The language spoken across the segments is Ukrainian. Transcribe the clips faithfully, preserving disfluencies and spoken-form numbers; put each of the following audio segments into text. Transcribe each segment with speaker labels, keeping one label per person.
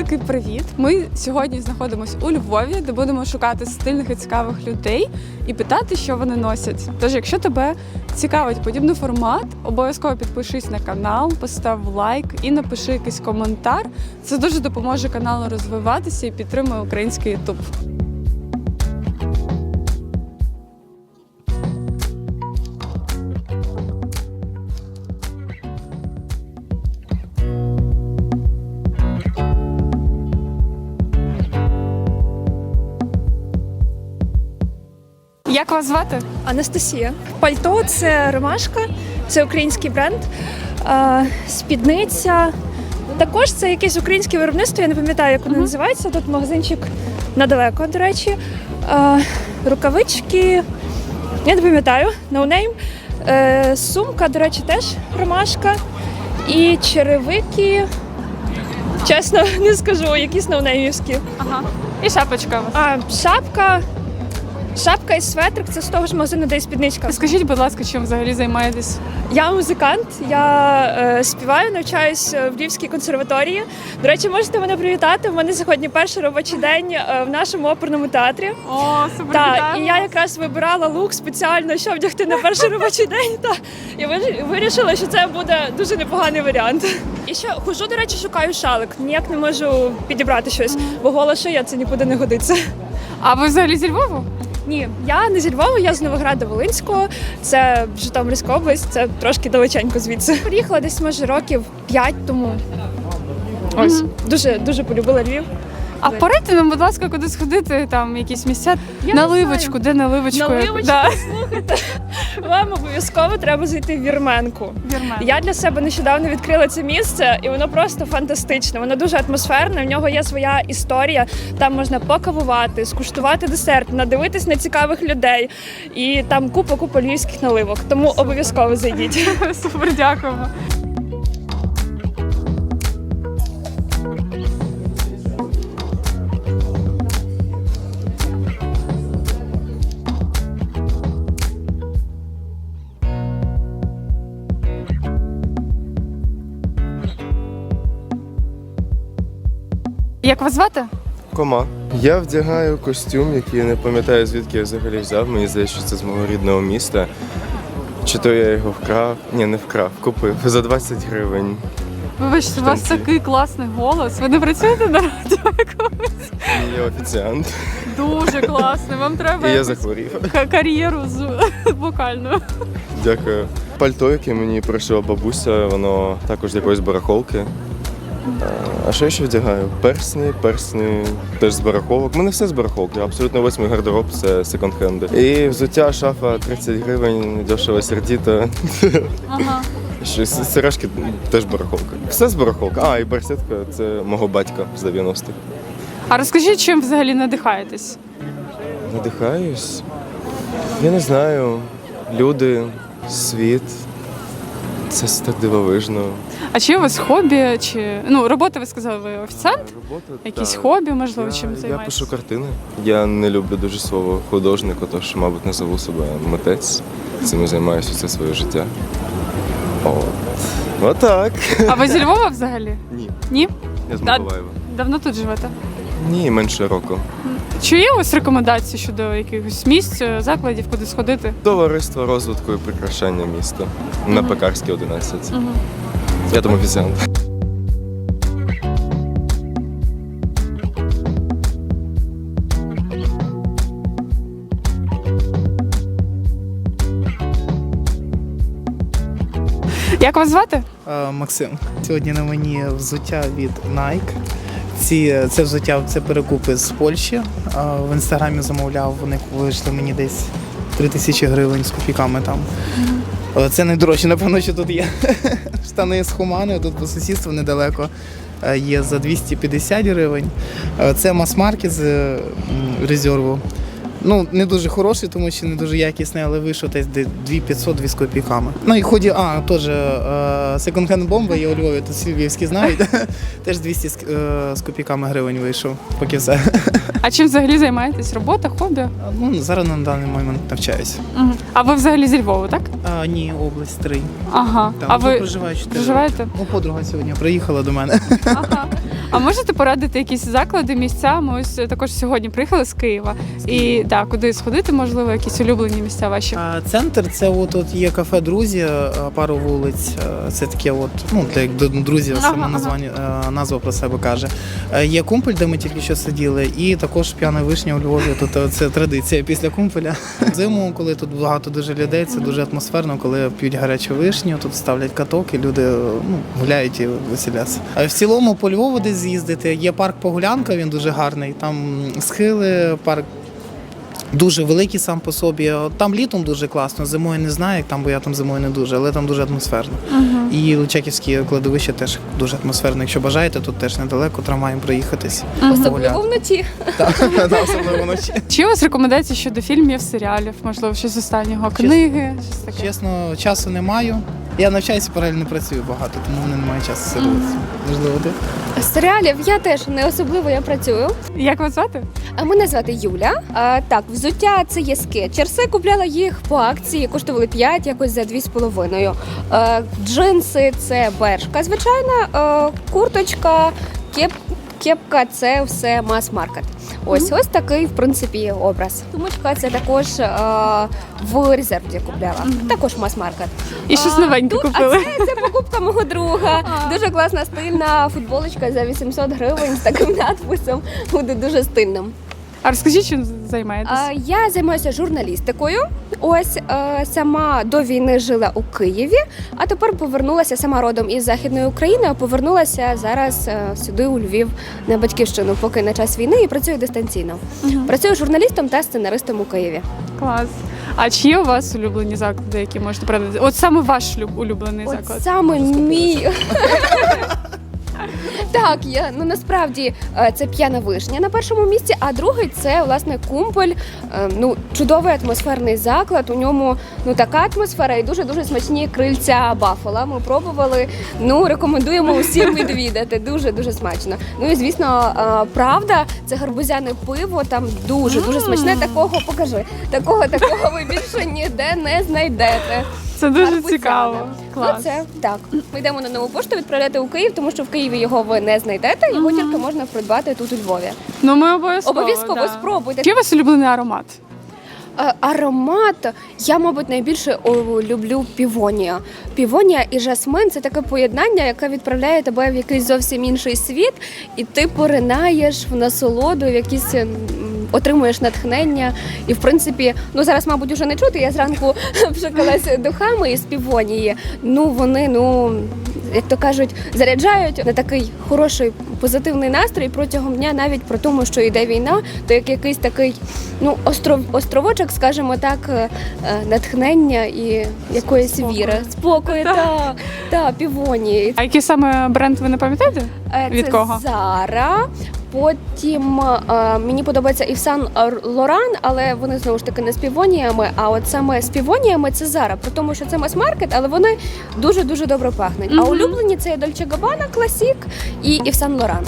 Speaker 1: великий привіт! Ми сьогодні знаходимося у Львові, де будемо шукати стильних і цікавих людей і питати, що вони носять. Тож, якщо тебе цікавить подібний формат, обов'язково підпишись на канал, постав лайк і напиши якийсь коментар. Це дуже допоможе каналу розвиватися і підтримує український ютуб. Як вас звати?
Speaker 2: Анастасія. Пальто – це ромашка, це український бренд. А, спідниця. Також це якесь українське виробництво, я не пам'ятаю, як воно uh-huh. називається. Тут магазинчик недалеко, до речі. А, рукавички, я не пам'ятаю, no name. Е, сумка, до речі, теж ромашка. І черевики, чесно, не скажу, якісь ноунеймівські.
Speaker 1: Ага. І шапочка у вас?
Speaker 2: А, шапка. Шапка і светрик – це з того ж магазину, де і спідничка.
Speaker 1: Скажіть, будь ласка, чим взагалі займаєтесь?
Speaker 2: Я музикант, я е, співаю, навчаюсь в Львівській консерваторії. До речі, можете мене привітати. У мене сьогодні перший робочий день е, в нашому оперному театрі.
Speaker 1: О, супер!
Speaker 2: Так, і я якраз вибирала лук спеціально, щоб вдягти на перший робочий день. Та, і вирішила, що це буде дуже непоганий варіант. І ще хожу, до речі, шукаю шалик. Ніяк не можу підібрати щось, бо гола шия – це нікуди не годиться.
Speaker 1: А ви взагалі зі Львову?
Speaker 2: Ні, я не зі Львова, я з Новограда-Волинського, це Житомирська область, це трошки далеченько звідси. Приїхала десь, може, років п'ять тому. Ось, mm-hmm. дуже, дуже полюбила Львів.
Speaker 1: А порадьте нам, будь ласка, куди сходити, там якісь місця?
Speaker 2: Я
Speaker 1: наливочку, де наливочку?
Speaker 2: Наливочку,
Speaker 1: да.
Speaker 2: слухайте, вам обов'язково треба зайти в Вірменку.
Speaker 1: Вірменку.
Speaker 2: Я для себе нещодавно відкрила це місце, і воно просто фантастичне. Воно дуже атмосферне, в нього є своя історія, там можна покавувати, скуштувати десерт, надивитись на цікавих людей, і там купа-купа львівських наливок, тому Супер. Обов'язково зайдіть.
Speaker 1: Супер, дякуємо. Як вас звати?
Speaker 3: Кома. Я вдягаю костюм, який я не пам'ятаю, звідки я взагалі взяв. Мені здається, що це з мого рідного міста. Чи то я його вкрав? Ні, не вкрав, купив за двадцять гривень.
Speaker 1: Вибачте, у вас такий класний голос. Ви не працюєте на радіо якомусь?
Speaker 3: Я офіціант.
Speaker 1: Дуже класний. Вам треба
Speaker 3: І я захворів.
Speaker 1: кар'єру з вокальною.
Speaker 3: Дякую. Пальто, яке мені пришила бабуся, воно також з якоїсь барахолки. А що я ще вдягаю? Персні, персні теж з барахолок. У мене все з барахолки, абсолютно весь мій гардероб – це секонд-хенди. І взуття, шафа тридцять гривень, дешево сердіто.
Speaker 1: Ага.
Speaker 3: Щось, сережки теж барахолка. Все з барахолки. А, і барсетка – це мого батька з дев'яностих.
Speaker 1: А розкажіть, чим взагалі надихаєтесь?
Speaker 3: Надихаюсь? Я не знаю. Люди, світ. Це так дивовижно.
Speaker 1: А чи є у вас хобі, чи ну робота, ви сказали, ви офіціант?
Speaker 3: Робота,
Speaker 1: Якісь
Speaker 3: так.
Speaker 1: хобі, можливо,
Speaker 3: я,
Speaker 1: чим
Speaker 3: я
Speaker 1: займаєтесь?
Speaker 3: Я пишу картини. Я не люблю дуже слово художник, тож, мабуть, назову себе митець. Цим займаюся все своє життя. От. Отак.
Speaker 1: А ви зі Львова взагалі?
Speaker 3: Ні.
Speaker 1: Ні?
Speaker 3: Я з Миколаєва.
Speaker 1: Давно тут живете?
Speaker 3: Ні, менше року.
Speaker 1: Чи є у вас рекомендації щодо якихось місць, закладів, куди сходити?
Speaker 3: Товариство розвитку і прикрашання міста. Mm-hmm. На Пекарській, одинадцять. Mm-hmm. Я там офіціант.
Speaker 1: Як вас звати?
Speaker 4: Максим. Сьогодні на мені взуття від Nike. Ці, це взуття, це перекупи з Польщі. В інстаграмі замовляв, вони вийшли мені десь три тисячі гривень з копійками там. Mm-hmm. Це найдорожче, напевно, що тут є. Штани з Хумани, тут по сусідству недалеко є за двісті п'ятдесят гривень. Це мас-маркет з резерву. Ну, не дуже хороший, тому що не дуже якісний, але вийшов десь дві тисячі п'ятсот дві з копійками. Ну і ході, а, теж секонд-хенд бомба є у Львові, тут всі львівські знають. Теж двісті з, е, з копійками гривень вийшов, поки все.
Speaker 1: А чим взагалі займаєтесь? Робота, хобі?
Speaker 4: Ну, зараз на даний момент навчаюся.
Speaker 1: Угу. А ви взагалі зі Львова, так?
Speaker 4: А, ні, область три.
Speaker 1: Ага.
Speaker 4: Там
Speaker 1: а
Speaker 4: вже
Speaker 1: ви
Speaker 4: проживаю чотири
Speaker 1: проживаєте?
Speaker 4: роки. Ну, подруга сьогодні приїхала до мене.
Speaker 1: Ага. А можете порадити якісь заклади, місця? Ми ось також сьогодні приїхали з Києва. І да, куди сходити, можливо, якісь улюблені місця ваші?
Speaker 4: А центр це от, от є кафе Друзі, пару вулиць. Це таке, от, ну, для як друзів,
Speaker 1: Ага,
Speaker 4: саме
Speaker 1: ага.
Speaker 4: названня, назва про себе каже. Є кумпель, де ми тільки що сиділи, і також п'яна вишня у Львові. Тут це традиція після кумпеля. Зиму, коли тут багато дуже людей, це дуже атмосферно, коли п'ють гарячу вишню, тут ставлять каток і люди ну, гуляють і веселяться. А в цілому по Львову десь з'їздити. Є парк Погулянка, він дуже гарний. Там схили, парк дуже великий сам по собі. Там літом дуже класно, зимою не знаю, як там, бо я там зимою не дуже, але там дуже атмосферно. Uh-huh. І Личаківське кладовище теж дуже атмосферно. Якщо бажаєте, тут теж недалеко трамваєм проїхатись.
Speaker 2: Uh-huh. Особливо вночі.
Speaker 4: Так, особливо вночі.
Speaker 1: Чи у вас рекомендації щодо фільмів, серіалів, можливо, щось з останнього, книги, щось таке?
Speaker 4: Чесно, часу не маю. Я навчаюся, паралельно працюю багато, тому в мене немає часу сервісу. Можливо, ти?
Speaker 2: Серіалів я теж не особливо я працюю.
Speaker 1: Як вас звати?
Speaker 2: А мене звати Юля. А, так, взуття це є скетчерси. Купляла їх по акції, коштували п'ять, якось за дві з половиною. А, джинси це бершка, звичайно. А, курточка, кеп, кепка це все мас-маркет. Ось, ось такий, в принципі, образ. Сумочка це також а, в резерві купляла.
Speaker 1: Мгм.
Speaker 2: Також мас-маркет.
Speaker 1: І щось
Speaker 2: А,
Speaker 1: новеньке
Speaker 2: тут-
Speaker 1: купили.
Speaker 2: А це, це покупка мого друга.
Speaker 1: А.
Speaker 2: Дуже класна стильна футболочка за вісімсот гривень з таким надписом. Буде дуже стильним.
Speaker 1: А розкажіть, чим займаєтесь?
Speaker 2: А, я займаюся журналістикою. Ось е, сама до війни жила у Києві, а тепер повернулася сама родом із Західної України, а повернулася зараз е, сюди у Львів на батьківщину, поки на час війни і працюю дистанційно.
Speaker 1: Мгм.
Speaker 2: Працюю журналістом та сценаристом у Києві.
Speaker 1: Клас. А чи є у вас улюблені заклади, які можете порадити? От саме ваш люб- улюблений
Speaker 2: От
Speaker 1: заклад.
Speaker 2: саме мій. Так, я ну насправді е, це п'яна вишня на першому місці, а другий це власне кумпель. Е, Ну чудовий атмосферний заклад. У ньому ну така атмосфера і дуже дуже смачні крильця баффала. Ми пробували. Ну рекомендуємо усім відвідати. Дуже дуже смачно. Ну і звісно, е, правда, це гарбузяне пиво. Там дуже дуже смачне. Такого покажи. Такого такого ви більше ніде не знайдете.
Speaker 1: Це дуже
Speaker 2: Гарбузяне.
Speaker 1: цікаво. Клас.
Speaker 2: Ну, це так. Ми йдемо на нову пошту відправляти у Київ, тому що в Києві його ви не знайдете. Його
Speaker 1: Мгм.
Speaker 2: тільки можна придбати тут у Львові.
Speaker 1: Ну ми обов'язково.
Speaker 2: Обов'язково
Speaker 1: да.
Speaker 2: спробуйте.
Speaker 1: Який у вас улюблений аромат?
Speaker 2: Е, Аромат я, мабуть, найбільше о, люблю півонія. Півонія і жасмин це таке поєднання, яке відправляє тебе в якийсь зовсім інший світ, і ти поринаєш в насолоду, в якісь м, отримуєш натхнення. І в принципі, ну зараз, мабуть, уже не чути. Я зранку пшикалася духами із півонії. Ну вони, ну як то кажуть, заряджають на такий хороший позитивний настрій протягом дня, навіть при тому, що йде війна, то як якийсь такий ну остров, островочок, скажімо так, е, е, натхнення і якоїсь
Speaker 1: Спокою.
Speaker 2: віри, спокою
Speaker 1: Так.
Speaker 2: та, та півонії.
Speaker 1: А який саме бренд ви не пам'ятаєте?
Speaker 2: Е,
Speaker 1: Від
Speaker 2: це
Speaker 1: кого?
Speaker 2: Зара. Потім е, мені подобається і Сан Лоран, але вони знову ж таки не з півоніями. А от саме з півоніями це Зара. При тому, що це мас-маркет, але вони дуже дуже добре пахнуть. А
Speaker 1: Мгм.
Speaker 2: улюблені це Дольче Габбана, Класік і Ів Сан Лоран.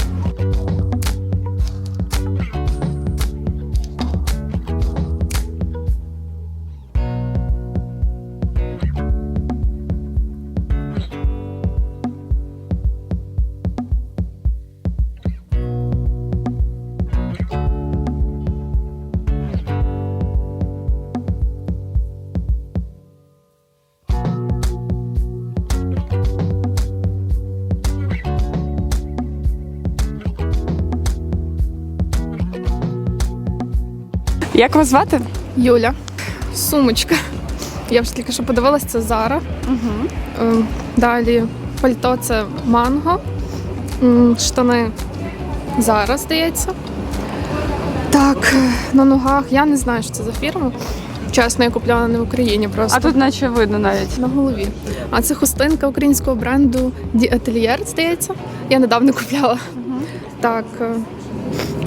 Speaker 1: Як вас звати?
Speaker 5: Юля. Сумочка. Я вже тільки що подивилась, це Зара.
Speaker 1: Угу.
Speaker 5: Ем, Далі пальто це Манго. М, Штани Зара, здається. Так, на ногах. Я не знаю, що це за фірма. Чесно, я купляла не в Україні просто.
Speaker 1: А тут наче видно навіть.
Speaker 5: На голові. А це хустинка українського бренду Ді Atelier, здається. Я недавно купляла. Так. е,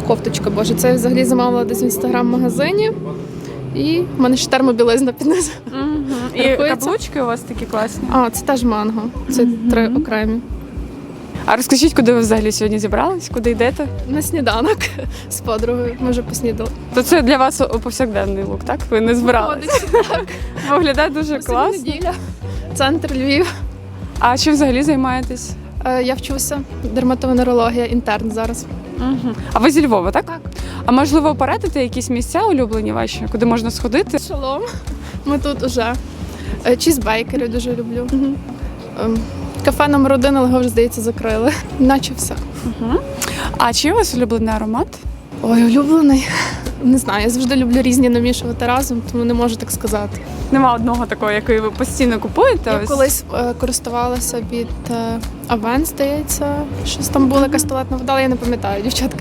Speaker 5: кофточка, боже, це я взагалі замовила десь в інстаграм-магазині. І в мене ще термобілизна під низом.
Speaker 1: І
Speaker 5: Рахується?
Speaker 1: каблучки у вас такі класні.
Speaker 5: А, це теж манго. Це три окремі.
Speaker 1: А розкажіть, куди ви взагалі сьогодні зібрались? Куди йдете?
Speaker 5: На сніданок з подругою. Ми вже поснідали.
Speaker 1: То це для вас повсякденний лук, так? Ви не збиралися?
Speaker 5: Так.
Speaker 1: Виглядає дуже
Speaker 5: Класно.
Speaker 1: класно.
Speaker 5: Неділя. Центр Львів.
Speaker 1: А чим взагалі займаєтесь?
Speaker 5: Е, Я вчуся. Дерматовенерологія, інтерн зараз.
Speaker 1: Угу. А ви зі Львова, так?
Speaker 5: Так.
Speaker 1: А можливо, порадите якісь місця улюблені ваші, куди можна сходити?
Speaker 5: Шалом. Ми тут уже. Е, Чізбейкери дуже люблю. Ем, Кафе номер один, але його вже, здається, закрили. Наче все.
Speaker 1: А чи є у вас улюблений аромат?
Speaker 5: Ой, улюблений. Не знаю, я завжди люблю різні намішувати разом, тому не можу так сказати.
Speaker 1: Нема одного такого, який ви постійно купуєте.
Speaker 5: Я
Speaker 1: ось?
Speaker 5: колись е, користувалася від е, Авен, здається, щось там була якась туалетна вода, але я не пам'ятаю, дівчатка.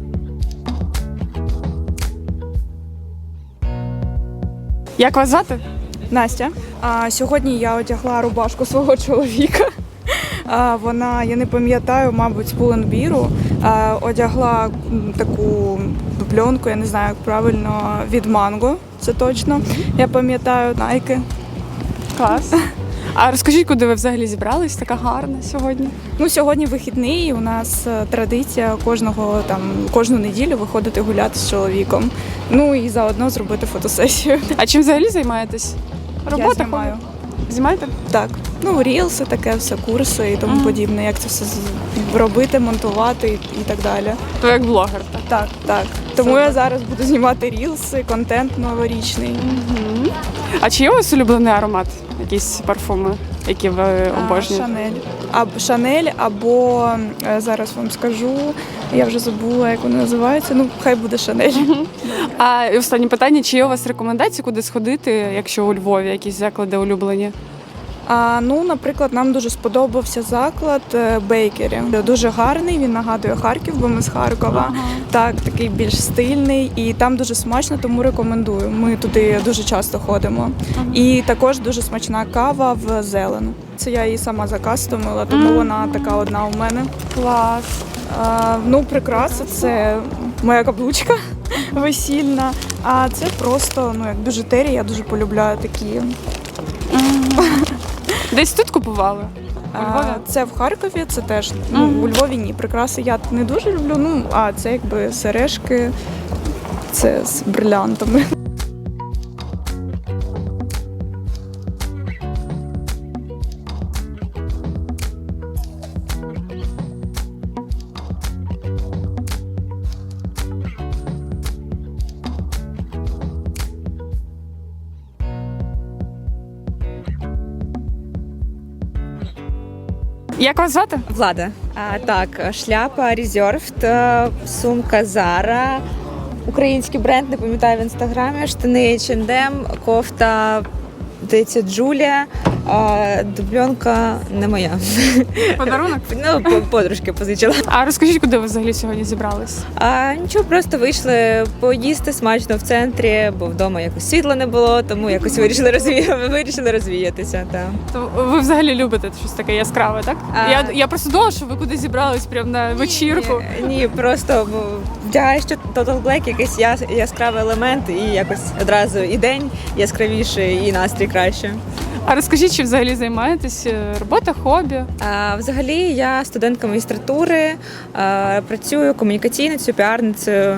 Speaker 1: Як вас звати?
Speaker 6: Настя. А, сьогодні я одягла рубашку свого чоловіка. А, вона, я не пам'ятаю, мабуть, з Пуленбіру. А, одягла м, таку дубльонку, я не знаю, як правильно, від Манго, це точно. Я пам'ятаю Nike.
Speaker 1: Клас. А розкажіть, куди ви взагалі зібрались? Така гарна сьогодні.
Speaker 6: Ну, сьогодні вихідний, у нас е, традиція кожного там кожну неділю виходити гуляти з чоловіком. Ну і заодно зробити фотосесію.
Speaker 1: А чим взагалі займаєтесь?
Speaker 6: Я знімаю.
Speaker 1: Знімаєте?
Speaker 6: Так, ну рілси, таке все, курси і тому
Speaker 1: Мгм.
Speaker 6: подібне, як це все з- робити, монтувати і, і так далі.
Speaker 1: То як блогер, так?
Speaker 6: Так, так. Тому
Speaker 1: Супер.
Speaker 6: я зараз буду знімати рілси, контент новорічний.
Speaker 1: А чи є у вас улюблений аромат? Якісь парфуми, які ви
Speaker 6: А,
Speaker 1: обожнюєте?
Speaker 6: Шанель. Або Шанель, або е, зараз вам скажу, я вже забула, як вони називаються. Ну, хай буде Шанель.
Speaker 1: А і останнє питання: чи є у вас рекомендації, куди сходити, якщо у Львові якісь заклади улюблені?
Speaker 6: А, ну, наприклад, нам дуже сподобався заклад е, Бейкері. Дуже гарний, він нагадує Харків, бо ми з Харкова. Так, такий більш стильний і там дуже смачно, тому рекомендую. Ми туди дуже часто ходимо. І також дуже смачна кава в зелену. Це я її сама закастомила, тому вона така одна у мене.
Speaker 1: Клас.
Speaker 6: А, ну, прикраса це моя каблучка весільна. А це просто ну як біжутерія, я дуже полюбляю такі.
Speaker 1: Десь тут купували? У Львові?
Speaker 6: А, це в Харкові, це теж ну, у Львові ні. Прикраси я не дуже люблю. Ну а це якби сережки, це з брилянтами.
Speaker 1: Як вас звати?
Speaker 7: Влада. А, так, шляпа Reserved, е, сумка Zara, український бренд, не пам'ятаю в інстаграмі, штани ейч енд ем, кофта, здається, Джулія, а дубльонка не моя.
Speaker 1: Подарунок?
Speaker 7: Ну, по- подружки позичила.
Speaker 1: А розкажіть, куди ви взагалі сьогодні зібрались?
Speaker 7: А нічого, просто вийшли поїсти смачно в центрі, бо вдома якось світла не було, тому якось вирішили розвія... вирішили розвіятися. Так.
Speaker 1: То ви взагалі любите щось таке яскраве, так?
Speaker 7: А-
Speaker 1: Я, я просто думала, що ви куди зібрались прямо на вечірку.
Speaker 7: Ні, ні, просто бо, вдягаєш Total Black, якийсь яс, яскравий елемент, і якось одразу і день яскравіший, і настрій краще.
Speaker 1: А розкажіть, чи взагалі займаєтесь? Е, Робота, хобі?
Speaker 7: А, взагалі, я студентка магістратури, а, працюю комунікаційницею, піарницею.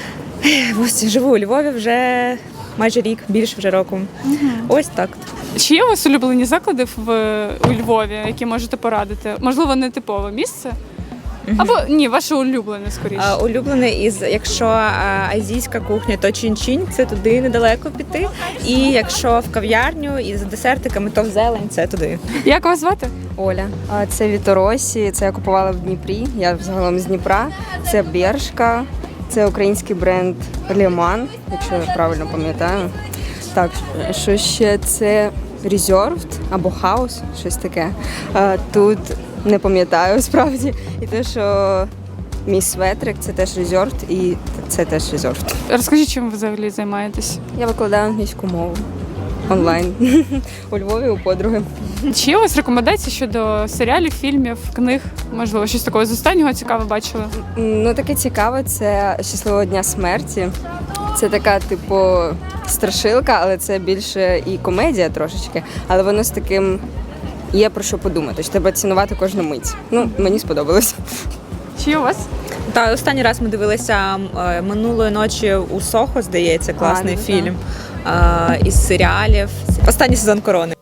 Speaker 7: Ось живу у Львові вже майже рік, більше вже року. Ось так.
Speaker 1: Чи є у вас улюблені заклади в у Львові, які можете порадити? Можливо, не типове місце? Або ні, ваше улюблене скоріше.
Speaker 7: А, улюблений із, якщо а, азійська кухня, то чин-чин, це туди недалеко піти. І якщо в кав'ярню із десертиками, то в зелень, це туди.
Speaker 1: Як вас звати?
Speaker 8: Оля. А, Це Віторосі, це я купувала в Дніпрі. Я взагалом з Дніпра. Це Бершка, це український бренд Леман, якщо я правильно пам'ятаю. Так, що ще це Reserved або House, щось таке. А, Тут не пам'ятаю справді. І те, що мій светрик, це теж Reserved, і це теж Reserved.
Speaker 1: Розкажіть, чим ви взагалі займаєтесь?
Speaker 8: Я викладаю англійську мову. онлайн у Львові у подруги.
Speaker 1: Чи є у вас рекомендації щодо серіалів, фільмів, книг? Можливо, щось такого з останнього цікаве бачили?
Speaker 8: М, Ну таке цікаве, це щасливого дня смерті. Це така, типу, страшилка, але це більше і комедія трошечки, але воно з таким є про що подумати. Що треба цінувати кожну мить. Ну, мені сподобалось.
Speaker 1: Чи є у вас?
Speaker 7: Та останній раз ми дивилися е, минулої ночі у Сохо, здається, класний
Speaker 8: А, ну,
Speaker 7: фільм е, із серіалів. Останній сезон Корони.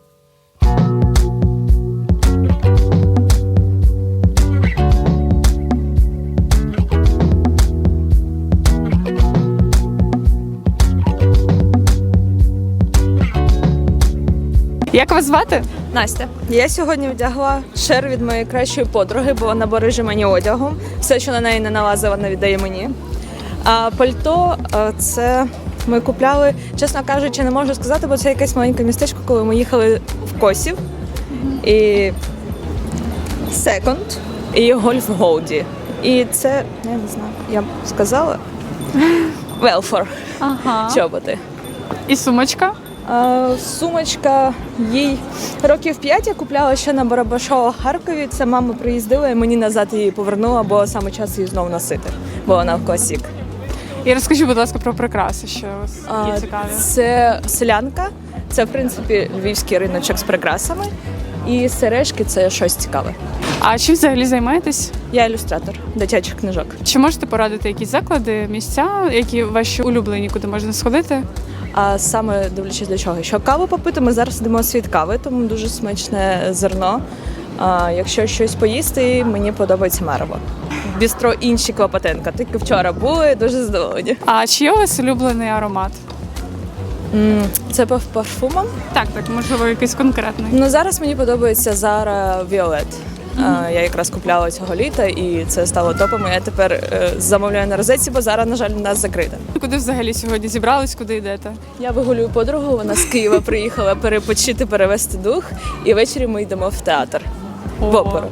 Speaker 1: Як вас звати?
Speaker 9: Настя, я сьогодні вдягла шер від моєї кращої подруги, бо вона береже мені одягу. Все, що на неї не налазить, вона віддає мені. А пальто е, це ми купляли, чесно кажучи, не можу сказати, бо це якесь маленьке містечко, коли ми їхали в Косів. І секонд, і гольф Голді. І це, я не знаю, я б сказала, Велфор,
Speaker 1: Ага.
Speaker 9: чоботи.
Speaker 1: І сумочка?
Speaker 9: А, Сумочка їй років п'ять я купляла ще на Барабашова в Харкові. Це мама приїздила і мені назад її повернула, бо саме час її знову носити, бо вона в Косік.
Speaker 1: І розкажіть, будь ласка, про прикраси, що у вас
Speaker 9: А,
Speaker 1: є цікаві.
Speaker 9: Це селянка, це в принципі львівський риночок з прикрасами. І сережки це щось цікаве.
Speaker 1: А чим взагалі займаєтесь?
Speaker 9: Я ілюстратор дитячих книжок.
Speaker 1: Чи можете порадити якісь заклади, місця, які ваші улюблені, куди можна сходити?
Speaker 9: А саме дивлячись для чого? Що каву попити, ми зараз йдемо світ кави, тому дуже смачне зерно. А якщо щось поїсти, мені подобається мерво. Бістро інші Клопотенка. Тільки вчора були, дуже задоволені.
Speaker 1: А чи є у вас улюблений аромат?
Speaker 9: М, Це по парфумам.
Speaker 1: Так, так, можливо, якийсь конкретний.
Speaker 9: Ну зараз мені подобається Zara Violet. А, Я якраз купляла цього літа і це стало топом. Я тепер е, замовляю на розетці, бо зараз, на жаль, у нас закрита.
Speaker 1: Куди взагалі сьогодні зібрались, куди йдете?
Speaker 9: Я вигулюю подругу, вона з Києва приїхала перепочити, перевести дух, і ввечері ми йдемо в театр, в
Speaker 1: О.
Speaker 9: оперу.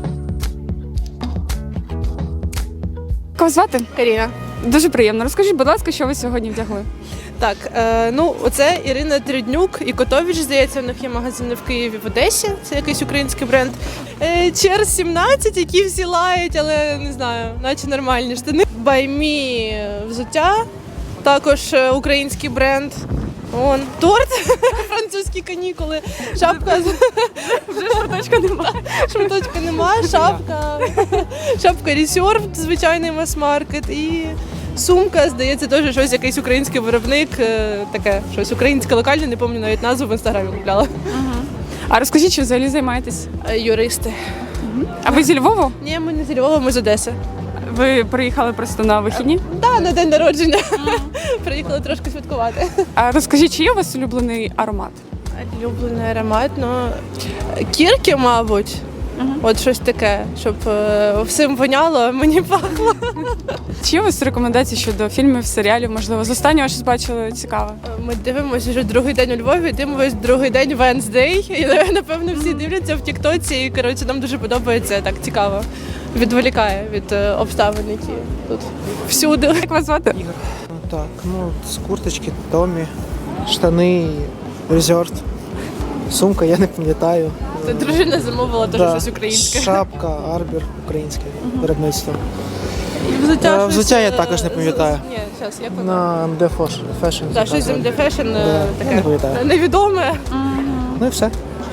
Speaker 1: Як вас звати?
Speaker 10: Каріна.
Speaker 1: Дуже приємно. Розкажіть, будь ласка, що ви сьогодні вдягли?
Speaker 10: Так, е, ну оце Ірина Триднюк і Котович, здається, у них є магазини в Києві, в Одесі. Це якийсь український бренд. Е, Чер сімнадцять, які всі лають, але не знаю, наче нормальні штани. Баймі взуття, також е, український бренд. Он торт, французькі канікули, шапка з
Speaker 1: Вже шматочка немає.
Speaker 10: шматочка нема, шапка, шапка Reserved, звичайний мас-маркет і сумка, здається, теж щось якийсь український виробник, е, таке щось українське локальне, не пам'ятаю навіть назву в інстаграмі купляла.
Speaker 1: А розкажіть, чим взагалі займаєтесь?
Speaker 10: Е, Юристи.
Speaker 1: А ви зі Львова?
Speaker 10: Ні, ми не з Львова, ми з Одеси.
Speaker 1: Ви приїхали просто на вихідні?
Speaker 10: Так, на день народження. Приїхали трошки святкувати.
Speaker 1: А розкажіть, чи є у вас улюблений аромат?
Speaker 10: Улюблений аромат, ну кірки, мабуть. От щось таке, щоб е, всім воняло, а мені пахло.
Speaker 1: Чи є у вас рекомендації щодо фільмів, серіалів? Можливо, з останнього щось бачили цікаве?
Speaker 10: Ми дивимося вже другий день у Львові, дивимося другий день Венсдей. І напевно всі дивляться в Тіктоці. І коротше, нам дуже подобається, так цікаво. Відволікає від е, обставин, які тут всюди.
Speaker 1: Як вас звати?
Speaker 11: Так, ну, з курточки Томі, штани Резервд, сумка, я не пам'ятаю.
Speaker 10: Це дружина замовила теж
Speaker 11: Да.
Speaker 10: щось українське.
Speaker 11: Шапка, Арбір, українське виробництво.
Speaker 10: І взуття,
Speaker 11: Е,
Speaker 10: щось,
Speaker 11: взуття я
Speaker 10: е,
Speaker 11: також не
Speaker 10: з-
Speaker 11: пам'ятаю.
Speaker 10: Ні, зараз, як воно?
Speaker 11: На ем де Fashion.
Speaker 10: Так, щось з ем де Fashion, е,
Speaker 11: Да,
Speaker 10: таке
Speaker 11: не пам'ятаю.
Speaker 10: невідоме.
Speaker 11: Ну і все.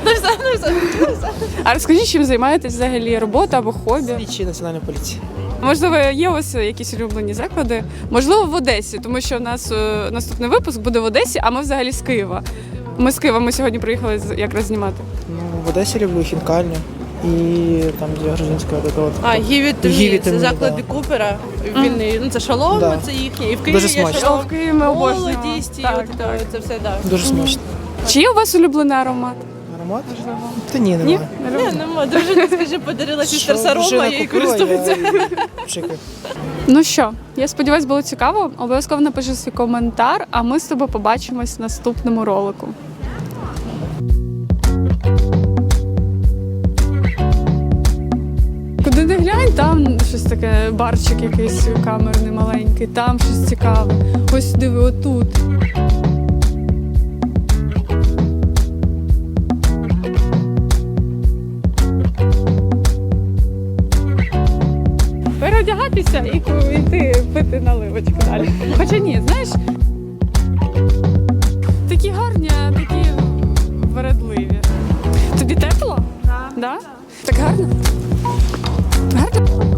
Speaker 1: А розкажіть, чим займаєтесь взагалі? Робота або хобі?
Speaker 11: Слідчі національної поліції.
Speaker 1: Можливо, є у вас якісь улюблені заклади? Можливо, в Одесі, тому що у нас е, наступний випуск буде в Одесі, а ми взагалі з Києва. Ми з Києва, ми сьогодні приїхали з- якраз знімати.
Speaker 11: Ну, в Одесі люблю хінкальню і там, де грузинська така от.
Speaker 10: А, Гіві Томі,
Speaker 11: Гіві
Speaker 10: це
Speaker 11: Томі,
Speaker 10: заклади
Speaker 11: да.
Speaker 10: Купера. Він, і- ну, це шалом,
Speaker 11: Да.
Speaker 10: це їхній. І в Києві
Speaker 11: Дуже
Speaker 10: є
Speaker 11: смачно.
Speaker 10: шалом.
Speaker 1: В Києві ми обожнюємо.
Speaker 10: Молодість, і
Speaker 1: Так,
Speaker 10: от,
Speaker 1: так.
Speaker 10: це все, так.
Speaker 11: Дуже смачно.
Speaker 1: Чи є у вас улюблений аромат?
Speaker 11: Аромат? Та ні,
Speaker 1: Ні?
Speaker 11: немає.
Speaker 10: Ні, нема. Дружина, скажи, подарила сістер
Speaker 11: Що
Speaker 10: Сарома,
Speaker 11: дружина
Speaker 10: я їй
Speaker 11: купила,
Speaker 10: користуюся.
Speaker 11: я і пшикаю.
Speaker 1: Ну що, я сподіваюся, було цікаво. Обов'язково напиши свій коментар, а ми з тобою побачимось в наступному ролику. Куди не глянь, там щось таке, барчик якийсь камерний маленький, там щось цікаве. Ось диви, отут. переодягатися і йти пити наливочку далі. Хоча ні, знаєш, такі гарні, а такі вередливі. Тобі тепло? Так. Да? Так гарно? Гарно?